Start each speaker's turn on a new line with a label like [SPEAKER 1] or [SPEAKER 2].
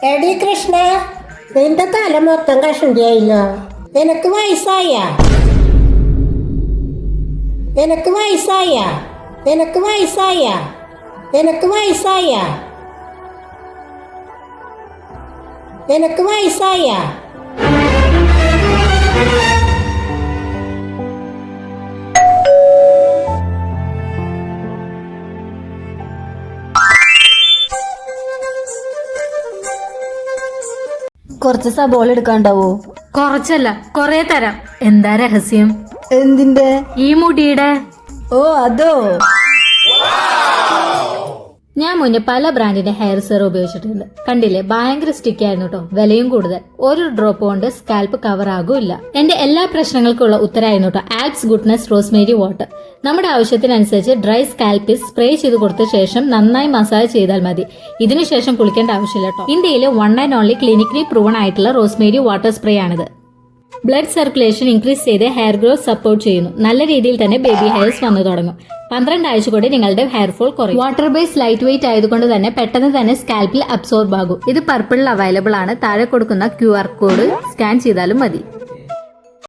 [SPEAKER 1] എടി കൃഷ്ണ, നിന്റെ തല മൊത്തം കഷണ്ടിയായില്ലോ. നിനക്ക് വയസ്സായ നിനക്ക് വയസ്സായ നിനക്ക് വയസ്സായ നിനക്ക് വയസ്സായ നിനക്ക് വയസ്സായ
[SPEAKER 2] കുറച്ച് സബോള എടുക്കാണ്ടാവോ?
[SPEAKER 3] കുറച്ചല്ല, കൊറേ തരാം. എന്താ രഹസ്യം?
[SPEAKER 2] എന്തിന്റെ?
[SPEAKER 3] ഈ മുടിയുടെ.
[SPEAKER 2] ഓ അതോ.
[SPEAKER 3] ഞാൻ മുന്നേ പല ബ്രാൻഡിന്റെ ഹെയർ സെറം ഉപയോഗിച്ചിട്ടുണ്ട്. കണ്ടില്ലേ, ഭയങ്കര സ്റ്റിക്കി ആയിരുന്നു കേട്ടോ. വിലയും കൂടുതൽ. ഒരു ഡ്രോപ്പ് കൊണ്ട് സ്കാൽപ്പ് കവർ ആകൂല്ല. എന്റെ എല്ലാ പ്രശ്നങ്ങൾക്കുള്ള ഉത്തരമായിരുന്നു കേട്ടോ ആൽപ്സ് ഗുഡ്നസ് റോസ്മേരി വാട്ടർ. നമ്മുടെ ആവശ്യത്തിനനുസരിച്ച് ഡ്രൈ സ്കാൽപ്പിൽ സ്പ്രേ ചെയ്ത് കൊടുത്ത ശേഷം നന്നായി മസാജ് ചെയ്താൽ മതി. ഇതിനുശേഷം കുളിക്കേണ്ട ആവശ്യമില്ല കേട്ടോ. ഇന്ത്യയിലെ 1 and only ക്ലിനിക്കലി പ്രൂവൺ ആയിട്ടുള്ള റോസ്മേരി വാട്ടർ സ്പ്രേ ആണിത്. ബ്ലഡ് സർക്കുലേഷൻ ഇൻക്രീസ് ചെയ്ത് ഹെയർ ഗ്രോത്ത് സപ്പോർട്ട് ചെയ്യുന്നു. നല്ല രീതിയിൽ തന്നെ ബേബി ഹെയർസ് വന്നു തുടങ്ങും. 12 ആഴ്ച കൂടി നിങ്ങളുടെ ഹെയർ ഫോൾ കുറയും. വാട്ടർ ബേസ് ലൈറ്റ് വെയിറ്റ് ആയതുകൊണ്ട് തന്നെ പെട്ടെന്ന് തന്നെ സ്കാൽപ്പിൽ അബ്സോർബ് ആകും. ഇത് പർപ്പിളിൽ അവൈലബിൾ ആണ്. താഴെ കൊടുക്കുന്ന QR കോഡ് സ്കാൻ ചെയ്താലും മതി.